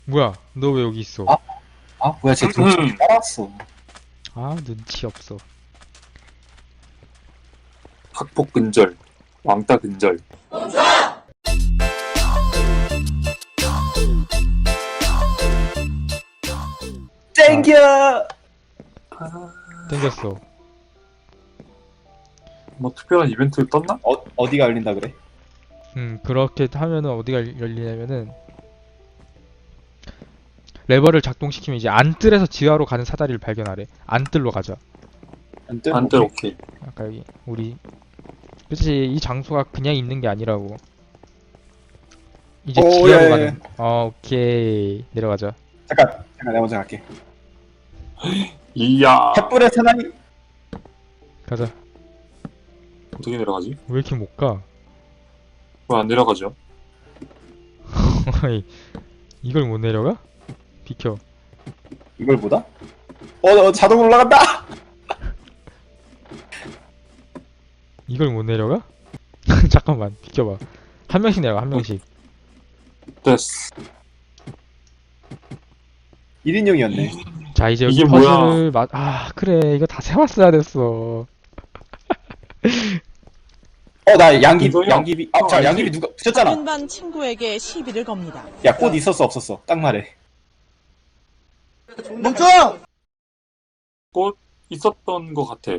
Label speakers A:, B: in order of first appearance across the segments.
A: 뭐야, 너 왜 여기 있어?
B: 아? 뭐야, 쟤 등치 따라왔어.
A: 아, 눈치 없어.
C: 학폭 근절, 왕따 근절.
B: 땡겨!
A: 땡겼어.
C: 뭐 특별한 이벤트 떴나?
B: 어디가 열린다 그래?
A: 그렇게 하면은 어디가 열리냐면은 레버를 작동시키면 이제 안뜰에서 지하로 가는 사다리를 발견하래. 안뜰로 가자.
C: 안뜰 오케이.
A: 아까 여기 우리 그치, 이 장소가 그냥 있는 게 아니라고. 이제
B: 오,
A: 지하로
B: 예, 예.
A: 가는. 오케이, 내려가자.
B: 잠깐, 내가 먼저 갈게.
C: 이야.
B: 횃불의 사나이?
A: 가자.
C: 어떻게 내려가지?
A: 왜 이렇게 못 가?
C: 왜 안 내려가죠?
A: 어이, 이걸 못 내려가? 비켜.
B: 이걸 보다? 자동으로 올라간다!
A: 이걸 못 내려가? 잠깐만, 비켜봐. 한 명씩 내려가, 한 명씩.
C: 됐어.
B: 1인용이었네.
A: 자, 이제 여기
C: 이게
A: 퍼즐을 그래, 이거 다 세웠어야 됐어.
B: 나 양귀비,
C: 이거요?
B: 양귀비. 양귀비 누가 붙였잖아.
D: 다른 친구에게 시비를 겁니다.
B: 야, 꽃 있었어, 없었어? 딱 말해.
C: 꽃 있었던 것 같아.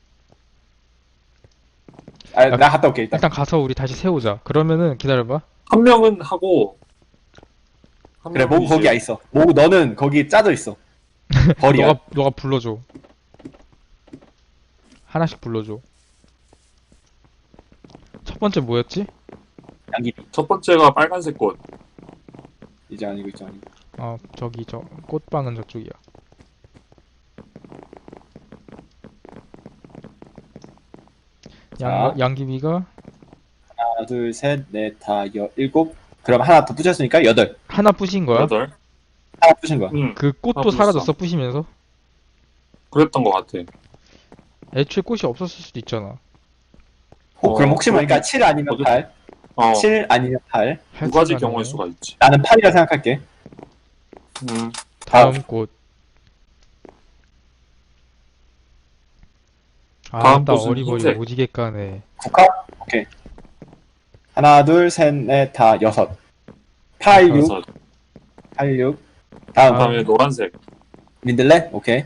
B: 나 갔다 올게, 일단.
A: 일단 가서 우리 다시 세우자. 그러면은 기다려봐.
C: 한 명은 하고. 한
B: 그래,
C: 명은
B: 모구 거기
C: 이제
B: 있어. 모구 너는 거기 짜져 있어. 벌이야.
A: 너가 불러줘. 하나씩 불러줘. 첫 번째 뭐였지?
B: 양귀비.
C: 첫 번째가 빨간색 꽃.
B: 이제 아니고, 이제 아니고.
A: 저기 저 꽃방은 저쪽이야.
B: 자.
A: 양귀비가
B: 하나, 둘, 셋, 넷, 다, 일곱. 그럼 하나 더 붙였으니까 여덟.
A: 하나 부신 거야?
C: 여덟.
B: 하나 부신 거야.
C: 응.
A: 그 꽃도
C: 하나 부셨어.
A: 사라졌어, 부시면서?
C: 그랬던 것 같아.
A: 애초에 꽃이 없었을 수도 있잖아.
B: 그럼 혹시 모르니까
C: 그럼-
B: 7 아니면
C: 어디-
B: 8.
C: 어.
B: 7 아니면 8.
C: 두 가지
A: 할수가
C: 경우일
A: 있네.
C: 수가 있지.
B: 나는 8이라 생각할게.
A: 다음 꽃.
C: 다음
A: 나
C: 꽃은
A: 어리버리
C: 흰색.
A: 오지게 까네.
B: 국화? 오케이. 하나, 둘, 셋, 넷, 다, 여섯. 8, 6,
C: 그래서
B: 8, 6. 다음,
C: 그다음에 노란색.
B: 민들레? 오케이.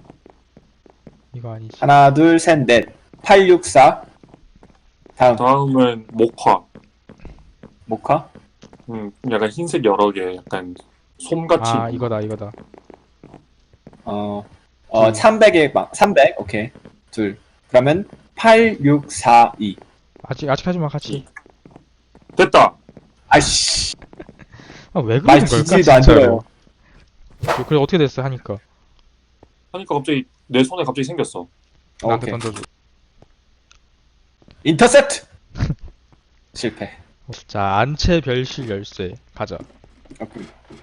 A: 이거 아니지.
B: 하나, 둘, 셋, 넷. 8, 6, 4. 다음,
C: 다음은 목화.
B: 모카.
C: 약간 흰색 여러 개, 약간 솜같이.
A: 이거다.
B: 300에 300. 오케이. 둘. 그러면 8, 6, 4, 2.
A: 아직 하지마, 같이.
C: 됐다.
B: 아이씨.
A: 왜
B: 말
A: 그러는 걸까,
B: 지지도 안
A: 진짜로.
B: 들어요.
A: 그래, 어떻게 됐어, 하니까.
C: 하니까 갑자기 내 손에 갑자기 생겼어.
A: 나한테
B: 오케이.
A: 던져줘.
B: 인터셉트! 실패.
A: 자, 안채 별실 열쇠. 가자.
B: 오케이.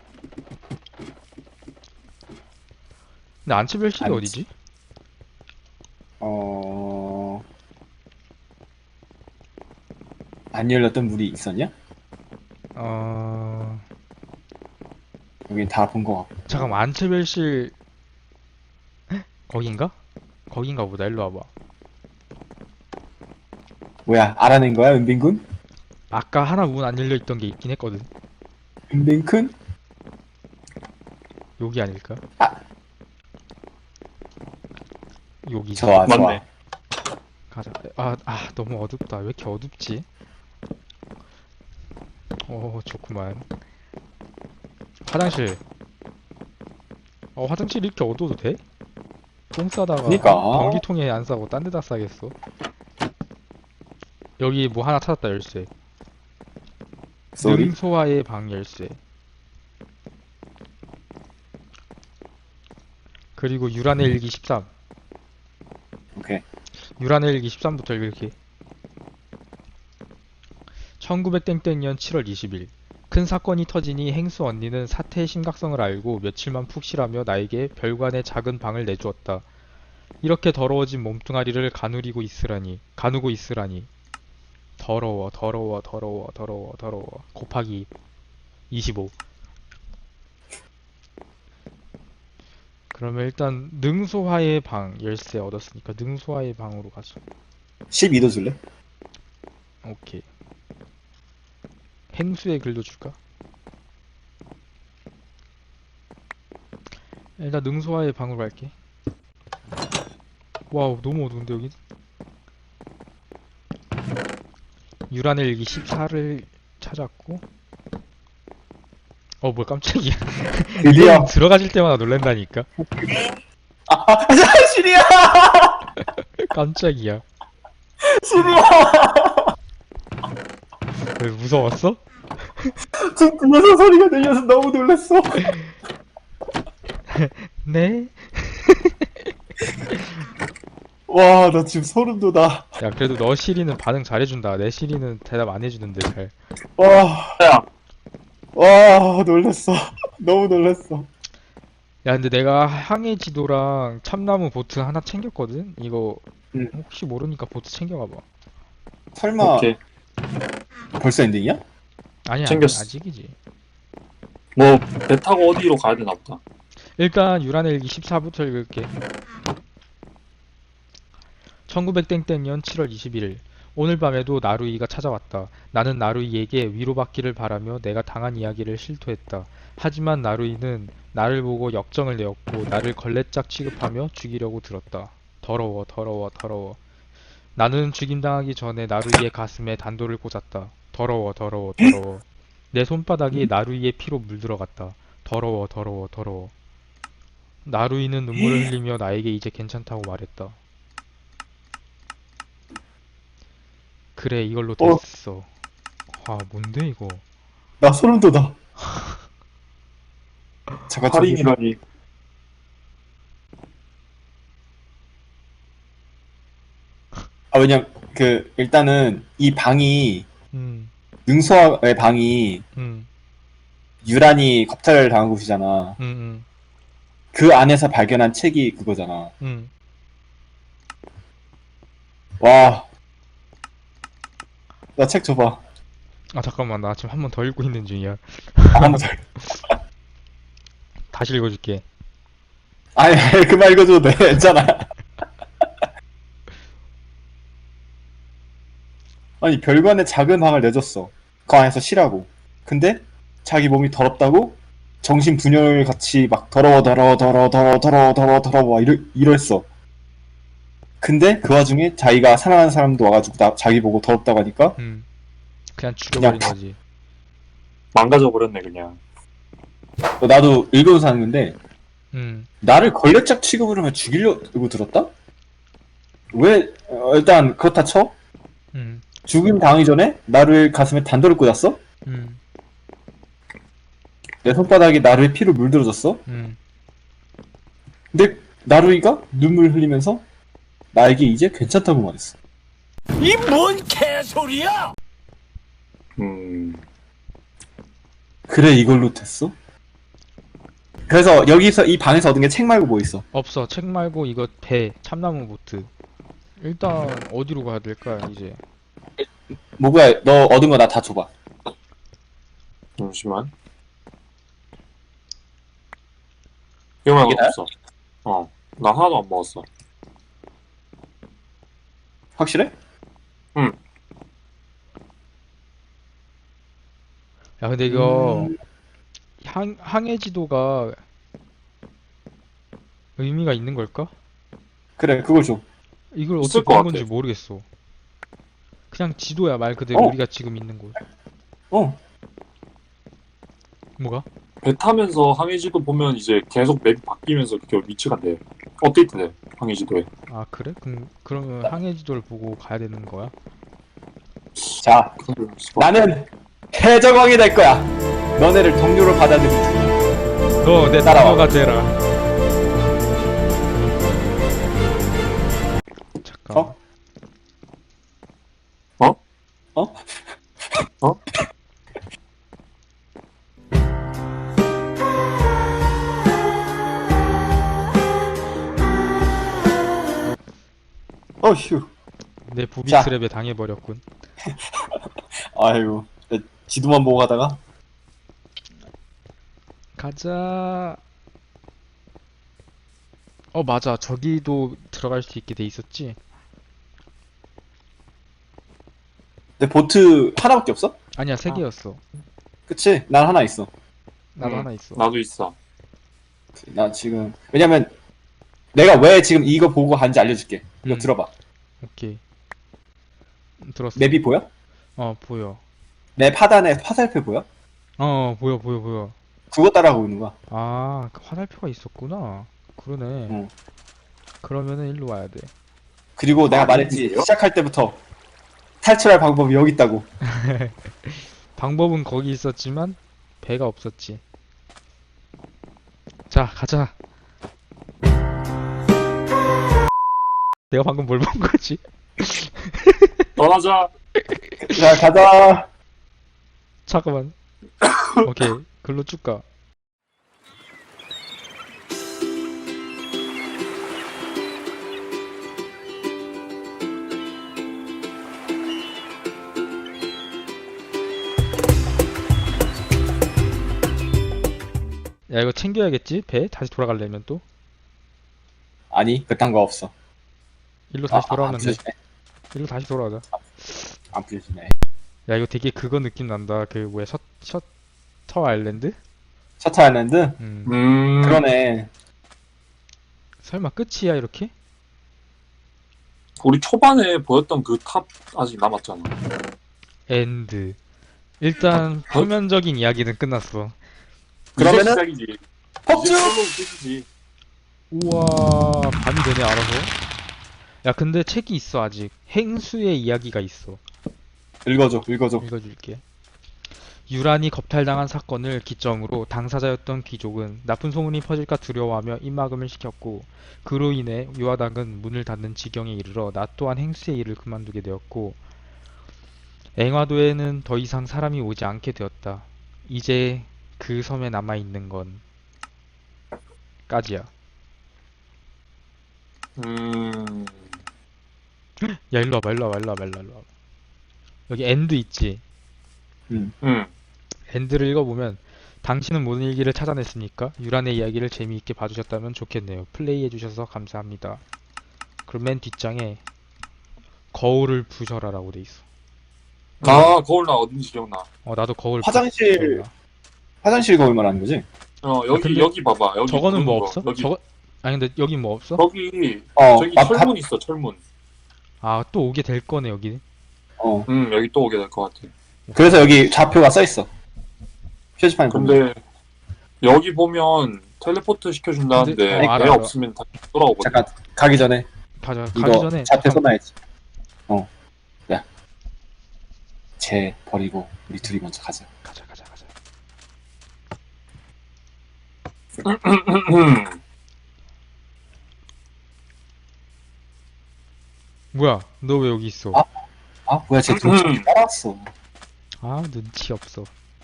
A: 근데 안채 별실이
B: 안채.
A: 어디지?
B: 안 열렸던 물이 있었냐?
A: 어...
B: 여긴 다 본 거 같고.
A: 잠깐만, 안채 별실... 거긴가? 거긴가 보다. 일로 와봐.
B: 뭐야, 알아낸 거야, 은빈군?
A: 아까 하나 문 안 열려있던 게 있긴 했거든.
B: 은빈군?
A: 여기 아닐까? 여기.
B: 좋아, 좋아.
C: 맞네.
A: 가자. 너무 어둡다. 왜 이렇게 어둡지? 좋구만. 화장실. 화장실 이렇게 어두워도 돼? 똥 싸다가
B: 그니까.
A: 변기통에 안 싸고 딴 데다 싸겠어. 여기 뭐 하나 찾았다, 열쇠.
B: 쏘리?
A: 능소화의 방 열쇠. 그리고 유란의 일기 13.
B: 오케이.
A: 유란의 일기 13부터 읽을게. 1900땡땡년 7월 20일. 큰 사건이 터지니 행수 언니는 사태의 심각성을 알고 며칠만 푹 쉬라며 나에게 별관의 작은 방을 내주었다. 이렇게 더러워진 몸뚱아리를 가누고 있으라니. 더러워. 곱하기 25. 그러면 일단 능소화의 방 열쇠 얻었으니까 능소화의 방으로 가자.
B: 12도 줄래?
A: 오케이. 행수의 글도 줄까? 일단 능소화의 방으로 갈게. 와우, 너무 어두운데 여기? 유란의 일기 14를 찾았고. 뭘 깜짝이야.
B: 드디어.
A: 이건 들어가실 때마다 놀란다니까.
B: 시리야!
A: 깜짝이야.
B: 시리야!
A: 왜 무서웠어?
B: 지금 뒤에서 소리가 들려서 너무 놀랐어.
A: 네?
B: 와, 나 지금 소름 돋아.
A: 야, 그래도 너 시리는 반응 잘해준다. 내 시리는 대답 안 해주는데 잘.
B: 와,
C: 야,
B: 와, 놀랐어. 너무 놀랐어.
A: 야, 근데 내가 항해 지도랑 참나무 보트 하나 챙겼거든? 이거
B: 응.
A: 혹시 모르니까 보트 챙겨가봐.
B: 설마
C: 오케이.
B: 벌써 엔딩이야?
A: 아니야,
C: 챙겼어.
A: 아직이지.
C: 뭐 배 타고 어디로 가야 되나 보다.
A: 일단 유란의 일기 14부터 읽을게. 1900땡땡년 7월 21일. 오늘 밤에도 나루이가 찾아왔다. 나는 나루이에게 위로받기를 바라며 내가 당한 이야기를 실토했다. 하지만 나루이는 나를 보고 역정을 내었고 나를 걸레짝 취급하며 죽이려고 들었다. 더러워, 더러워, 더러워. 나는 죽임당하기 전에 나루이의 가슴에 단도를 꽂았다. 더러워, 더러워, 더러워. 내 손바닥이 나루이의 피로 물들어갔다. 더러워, 더러워, 더러워. 나루이는 눈물을 흘리며 나에게 이제 괜찮다고 말했다. 그래, 이걸로 됐어. 아, 뭔데 이거?
B: 나 소름 돋아. 잠깐, 저기.
C: 살인이라니.
B: 왜냐면, 일단은, 이 방이,
A: 음,
B: 능수의 방이,
A: 음,
B: 유란이 겁탈을 당한 곳이잖아.
A: 음,
B: 그 안에서 발견한 책이 그거잖아.
A: 음.
B: 와. 나 책 줘봐.
A: 아, 잠깐만, 나 지금 한 번 더 읽고 있는 중이야.
B: 한번 더.
A: 다시 읽어줄게.
B: 아니, 그만 읽어줘도 돼. 괜찮아. 아니, 별관에 작은 방을 내줬어. 그 안에서 쉬라고. 근데 자기 몸이 더럽다고 정신 분열 같이 막 더러워 막 이랬어. 근데 그 와중에 자기가 사랑하는 사람도 와가지고 자기 보고 더럽다고 하니까
A: 그냥 죽여버린
B: 그냥
A: 거지.
C: 망가져 버렸네 그냥.
B: 나도 읽어서 사는 건데
A: 음,
B: 나를 걸레짝 취급을 하면 죽이려고 들었다? 왜 일단 그렇다 쳐?
A: 음,
B: 죽임 당하기 전에 나를 가슴에 단도를 꽂았어?
A: 음,
B: 내 손바닥에 나루의 피로 물들어졌어?
A: 음.
B: 근데 나루이가 눈물 흘리면서 나에게 이제 괜찮다고 말했어.
E: 이 뭔 개소리야!
B: 그래 이걸로 됐어? 그래서 여기서 이 방에서 얻은 게 책 말고 뭐 있어?
A: 없어. 책 말고 이거 배, 참나무 보트. 일단 어디로 가야 될까, 이제?
B: 뭐야 너 얻은 거 나 다 줘봐.
C: 잠시만. 이거만
B: 이게 나야?
C: 없어. 나 하나도 안 먹었어.
B: 확실해?
A: 야, 근데 이거 항해 지도가 의미가 있는 걸까?
B: 그래 그걸 줘.
A: 이걸
C: 있을
A: 어떻게
C: 것
A: 보는
C: 같아.
A: 건지 모르겠어. 그냥 지도야, 말 그대로 우리가 지금 있는 곳.
B: 어.
A: 뭐가?
C: 배 타면서 항해지도 보면 이제 계속 맵이 바뀌면서 그 위치가 돼. 업데이트돼 항해지도에.
A: 아, 그래? 그러면 항해 지도를 보고 가야 되는 거야?
B: 자 나는 해적왕이 될 거야. 너네를 동료로 받아들이지.
A: 너 내
B: 따라와.
A: 동료가 되라. 잠깐.
B: 어? 어? 어휴.
A: 내 부비스랩에 당해버렸군.
B: 아이고. 지도만 보고 가다가
A: 가자. 맞아. 저기도 들어갈 수 있게 돼 있었지?
B: 근데 보트 하나밖에 없어?
A: 아니야, 세
C: 아.
A: 개였어.
B: 그치? 난 하나 있어.
A: 나도 하나 있어.
C: 나도 있어.
B: 나 지금 왜냐면 내가 왜 지금 이거 보고 간지 알려줄게. 이거
A: 음.
B: 들어봐.
A: 오케이. 들었어.
B: 맵이 보여?
A: 보여.
B: 맵 하단에 화살표 보여?
A: 보여, 보여, 보여.
B: 그거 따라가고 있는 거야.
A: 아, 그 화살표가 있었구나. 그러네.
B: 응.
A: 그러면은 일로 와야 돼.
B: 그리고 내가 말했지,
C: 아닌데요?
B: 시작할 때부터 탈출할 방법이 여기 있다고.
A: 방법은 거기 있었지만 배가 없었지. 자, 가자. 내가 방금 뭘 본 거지?
C: 떠나자.
B: 자, 가자.
A: 잠깐만. 오케이, 글로 쭉 가. 야, 이거 챙겨야겠지? 배? 다시 돌아가려면 또?
B: 아니, 그딴 거 없어.
A: 일로 다시
B: 안
A: 돌아오면 돼.
B: 부서지네.
A: 일로 다시 돌아가자.
B: 안 부서지네.
A: 야, 이거 되게 그거 느낌 난다. 그 뭐야, 셔터 아일랜드?
B: 셔터 아일랜드?
A: 음.
B: 그러네.
A: 설마 끝이야, 이렇게?
C: 우리 초반에 보였던 그 탑 아직 남았잖아.
A: 엔드. 일단 표면적인 이야기는 끝났어.
B: 그러면은
C: 이제 시작이지.
B: 폭주!
C: 이제 솔로 끝이지.
A: 우와, 밤이 되네, 알아서. 야, 근데 책이 있어, 아직. 행수의 이야기가 있어.
B: 읽어줘.
A: 읽어줄게. 유란이 겁탈당한 사건을 기점으로 당사자였던 귀족은 나쁜 소문이 퍼질까 두려워하며 입막음을 시켰고, 그로 인해 유화당은 문을 닫는 지경에 이르러 나 또한 행수의 일을 그만두게 되었고, 앵화도에는 더 이상 사람이 오지 않게 되었다. 이제 그 섬에 남아있는 건 까지야. 야, 일로 와봐. 여기 엔드 있지?
C: 음.
A: 엔드를 읽어보면, 당신은 모든 일기를 찾아냈습니까? 유란의 이야기를 재미있게 봐주셨다면 좋겠네요. 플레이해주셔서 감사합니다. 그럼 맨 뒷장에 거울을 부셔라라고 돼 있어.
C: 아, 거울 나 어딘지 기억나.
A: 나도 거울
B: 화장실-
A: 부셔라.
B: 화장실 거울 말하는 거지?
C: 여기
A: 근데
C: 여기 봐봐. 여기
A: 저거는 뭐
C: 거.
A: 없어?
C: 여기
A: 아니 근데 여기 뭐 없어?
C: 저기
B: 어,
C: 철문 있어. 철문.
A: 아, 또 오게 될 거네, 여기.
C: 여기 또 오게 될 것 같아.
B: 그래서 여기 좌표가 써있어. 표지판에 보면.
C: 근데 여기 보면 텔레포트 시켜준다는데
A: 근데-
C: 배
A: 알아.
C: 없으면 다시 돌아오거든.
B: 잠깐, 가기 전에
A: 가자, 가기
B: 이거
A: 전에
B: 좌표
A: 잠깐-
B: 써놔야지. 야. 쟤 버리고 우리 둘이 먼저 가자.
A: 가자. 뭐야, 너 왜 여기 있어?
B: 아, 뭐야, 쟤 도착 따라왔어.
A: 아, 눈치 없어.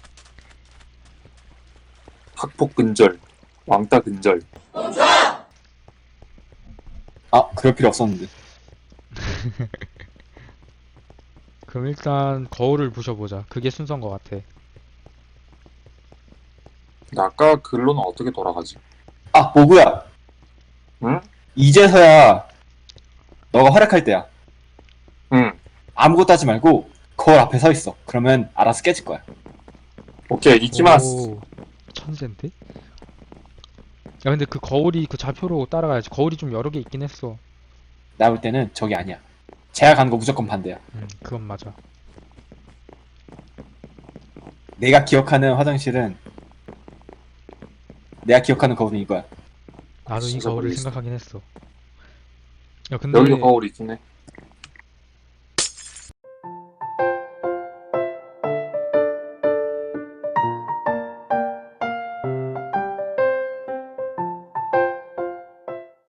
C: 학폭 근절, 왕따 근절.
B: 아, 그럴 필요 없었는데.
A: 그럼 일단 거울을 부셔보자. 그게 순서인 것 같아.
C: 근데 아까 글로는 어떻게 돌아가지?
B: 아, 모구야.
C: 응?
B: 이제서야 너가 활약할 때야.
C: 응.
B: 아무것도 하지 말고 거울 앞에 서 있어. 그러면 알아서 깨질 거야.
C: 오케이, 이키마스.
A: 오, 천재인데? 야, 근데 그 거울이 그 좌표로 따라가야지. 거울이 좀 여러 개 있긴 했어.
B: 나 볼 때는 저기 아니야. 제가 가는 거 무조건 반대야.
A: 그건 맞아.
B: 내가 기억하는 화장실은 내가 기억하는 거울은 이거야.
A: 나도 이
C: 진짜
A: 거울을
C: 모르겠어.
A: 생각하긴 했어. 야, 근데
C: 여기도 거울이 있긴 해.